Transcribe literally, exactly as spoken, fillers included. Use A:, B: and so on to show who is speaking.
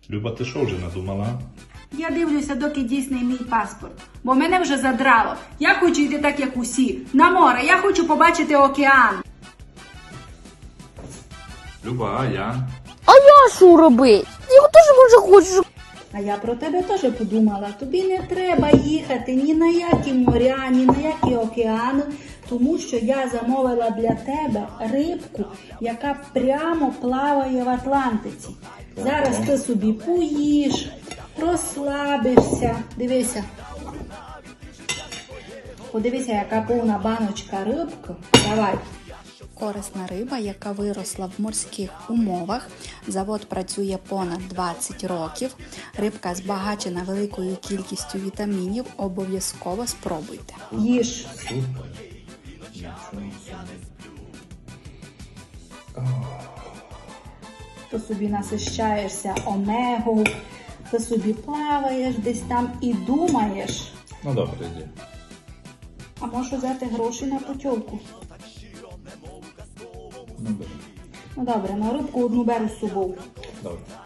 A: Люба, ти що вже надумала?
B: Я дивлюся, доки дійсний мій паспорт. Бо мене вже задрало. Я хочу йти так, як усі. На море. Я хочу побачити океан.
A: Люба, а я?
C: А я що робити? Я теж може хочу.
B: А я про тебе теж подумала. Тобі не треба їхати ні на які моря, ні на які океани, тому що я замовила для тебе рибку, яка прямо плаває в Атлантиці. Зараз ти собі поїш, розслабишся. Дивися. Подивися, яка повна баночка рибки. Давай.
D: Корисна риба, яка виросла в морських умовах. Завод працює понад двадцять років. Рибка збагачена великою кількістю вітамінів. Обов'язково спробуйте.
B: Їж.
A: Супер. Нічого собі.
B: Ти собі насищаєшся омегою, ти собі плаваєш десь там і думаєш.
A: Ну добре, йди.
B: А можеш взяти гроші на путівку?
A: Ну, бери.
B: Ну добре, на рибку одну беру з собою.
A: Добре.